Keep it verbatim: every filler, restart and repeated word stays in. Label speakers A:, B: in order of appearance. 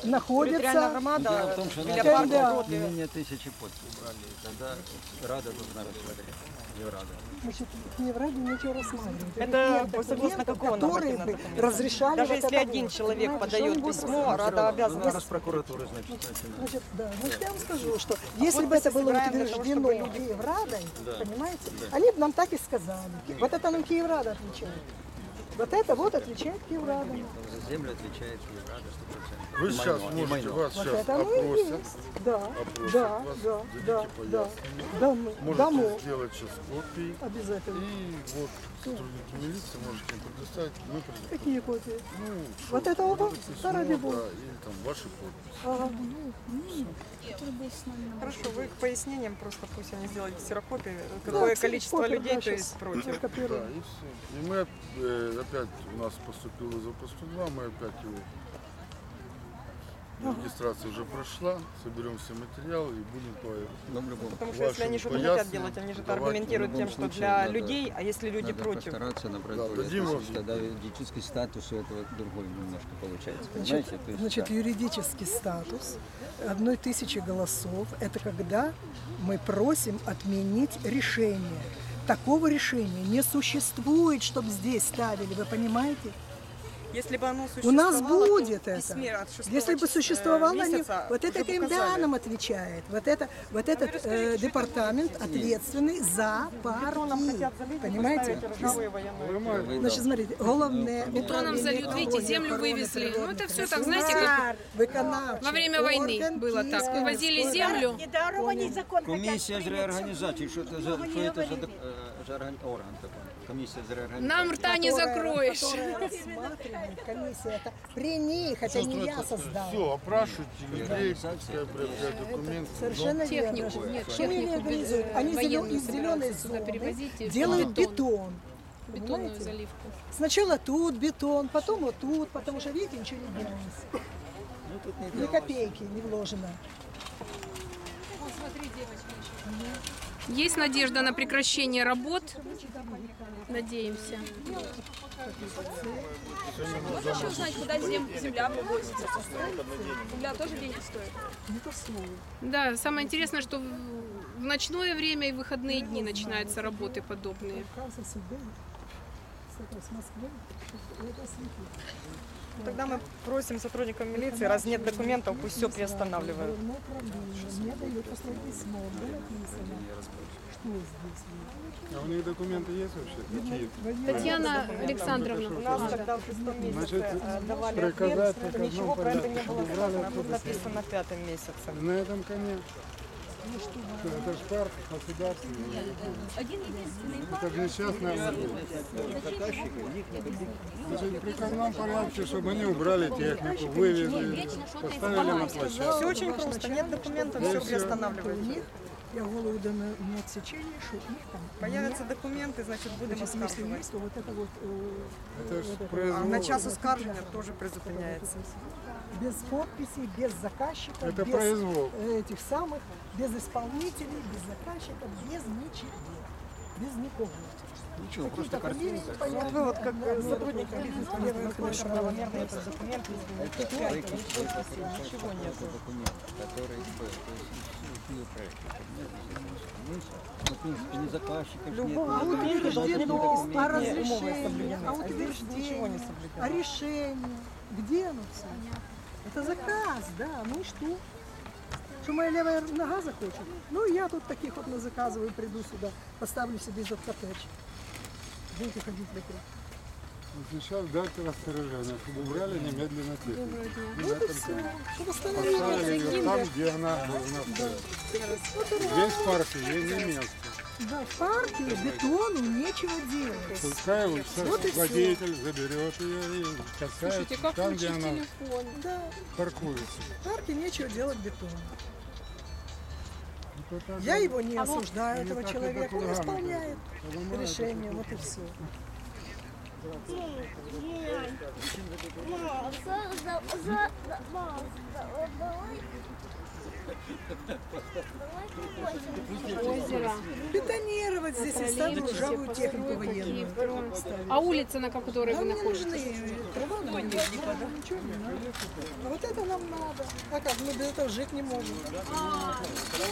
A: находится...
B: громада,
C: Дело в том, что
B: для
C: надо
B: парка.
C: не менее тысячи подписей брали, тогда Рада должна рассмотреть. Еврада.
A: Значит, не в Раде ничего рассматривать.
B: Это
A: Нет
B: согласно
A: документов,
B: какому
A: которые бы
B: нормативному документу?
A: разрешали
B: Даже
A: вот
B: если
A: это
B: один
A: вот.
B: человек
A: Понимаете,
B: подает
A: что-нибудь
B: письмо,
A: разрешали.
B: Рада обязана.
C: Надо с прокуратуры, значит, начинать.
A: Значит, да, значит, я вам скажу, что если бы это было
B: собираем для того,
A: утверждено
B: чтобы люди-
A: Киеврадой,
C: Да.
A: понимаете, они бы нам так и сказали. Вот это нам Киеврада отвечает. Вот это вот отвечает Киеврада.
C: За землю отвечает Еврада сто процентов.
D: Вы сейчас
C: Майно, и
D: можете,
C: майно.
D: вас
A: Вот
D: сейчас
A: это оно и
D: опросят.
A: есть. Да,
D: опросят
A: да,
D: вас,
A: да,
D: дадите
A: да, да,
D: пояснение.
A: да, мы-
D: Можете
A: дамо.
D: сделать сейчас копии.
A: Обязательно.
D: И вот сотрудники милиции можете им предоставить. Мы предоставим.
A: Какие копии?
D: Ну,
A: Вот
D: что,
A: это оба?
D: это письмо,
A: Да, ради бога.
D: да, или там ваши подписи.
A: Ага.
B: Хорошо, вы к пояснениям просто пусть они сделают ксерокопии, какое
A: Да,
B: количество
A: копию,
B: людей,
A: да,
B: то
A: щас
B: есть против.
D: Да,
A: Копируем.
D: и все. И мы э, опять, у нас поступил вызов по сто два, мы опять его... Регистрация уже прошла, соберем все материалы и будем по...
C: Но в любом,
B: Потому что если они что-то хотят делать, они же это аргументируют тем, что для людей, а если люди
C: надо
B: против.
C: постараться набрать
D: Да,
C: более
D: дадим вам.
C: тысяч, тогда юридический статус у этого другой немножко получается, понимаете?
A: Значит,
C: То есть,
A: значит,
C: да.
A: юридический статус одной тысячи голосов – это когда мы просим отменить решение. Такого решения не существует, чтобы здесь ставили, вы понимаете?
B: Если бы оно
A: У
B: существовало,
A: нас будет
B: то в
A: это.
B: письме от шестого
A: Если бы
B: числа,
A: существовало, они,
B: месяца
A: вот это
B: уже показали.
A: КМДА нам отвечает, вот, это, вот этот э, департамент ответственный за
B: Бетоном
A: парки.
B: хотят залить,
A: Понимаете?
B: поставить ржавые военные.
A: Значит, смотрите, головне
E: Бетоном зальют, видите, землю вывезли. Ну, это все так, знаете, как во время войны было так. Вывозили землю.
C: Комиссия з реорганізації, що це за, що це за, е, за орган, орган такий? Комісія з реорганізації.
E: Нам рта не закроешь.
A: Которая рассматривает комиссия, это при них, это не я создал.
D: Все, опрашивайте людей, пускай проверяют документы.
A: Совершенно верно.
E: Технику, нет,
A: Что они
E: технику
A: организуют? Они зелё-
E: военную
A: из зеленой
E: собираются сюда
A: зоны
E: перевозить. и
A: делают
E: бетон,
A: бетон.
E: бетонную
A: Понимаете?
E: заливку.
A: Сначала тут бетон, потом вот тут, потому что, видите, ничего не делается.
C: Ну, тут не
A: Ни
C: делалось.
A: копейки не вложено.
E: Есть надежда на прекращение работ. Надеемся.
F: Можно еще узнать, куда зем- земля вывозится? Земля тоже денег стоит?
A: Не то слово.
E: Да, самое интересное, что в в ночное время и в выходные дни начинаются работы подобные.
A: Казус был. Кстати, с Москвы. Это осветит.
B: Тогда мы просим сотрудников милиции, раз нет документов, пусть все приостанавливают.
A: Головное управление мне дает послать письмо, где написано, что здесь.
D: А у них документы есть вообще? Какие?
E: Татьяна
B: У
E: Александровна.
B: нас тогда в шестом месяце
D: Значит,
B: э, давали
D: приказать
B: ответ,
D: приказном
B: ничего про это
D: порядке,
B: не было
D: чтобы убрали
B: сказано, а тут
D: оттуда.
B: написано пятым месяцем.
D: На этом коне. Это ж парк государственный. Это же несчастная Значит, в приказном порядке, чтобы они убрали технику, вывезли, поставили на площадку.
B: Все очень просто, нет документов, все приостанавливается.
A: Я голову даю на на отсечение, что их там
B: Появятся документы, значит будем
A: Значит, если
B: оскарживать.
A: есть, то вот это вот э,
D: Это ж
B: А
D: произвол.
B: на час оскаржения тоже призупиняется.
A: без подписей, без заказчиков,
D: Это
A: без
D: произвол.
A: э, этих самых, без исполнителей, без заказчиков, без ничего, без никого.
C: Ничего,
A: Какие-то
C: просто
A: фамилии
C: картинка.
B: Вот вы вот как э, сотрудник милиции скажите, насколько правомерно этот документ, если нет печати, нет подписи, ничего нет.
C: Документ, который был, то есть все проекты. Ну, в принципе, ни заказчиков нет,
B: Любого
C: ни
B: документа
C: заказчиков,
B: должны
A: Утверждено,
B: быть
A: а
B: умовы
A: разрешение,
B: соблюдены.
A: а
B: А здесь ничего не
A: утверждение,
B: соблюдено.
A: а решение. Где оно все? Это заказ, да, ну и что? Что моя левая нога захочет? Ну, я тут таких вот назаказываю, приду сюда, поставлю себе этот коттедж. Будете ходить вокруг.
D: Сейчас дайте распоряжение, чтобы убрали немедленно технику.
A: Ну, это все, чтобы остановили.
D: Поставили ее там, где она должна стоять. Весь парк ей не место.
A: Да, в парке бетону нечего делать.
D: Пускай вот
A: Вот и всё.
D: водитель заберет ее и катает там, где она
A: Да,
D: паркуется.
A: в парке нечего делать бетону.
D: Это так
A: Я
D: вот
A: его не осуждаю,
D: они
A: этого
D: так и
A: человека, он
D: баклажаны
A: исполняет
D: поломают.
A: решение, вот и все.
E: Озеро.
A: Бетонировать здесь и ставлю ржавую технику военную.
E: А улица, на которой
A: Нам
E: вы
A: не
E: находитесь?
A: нужны трава, нам не нужна, ничего не надо. А вот это нам надо. А как, мы без этого жить не можем.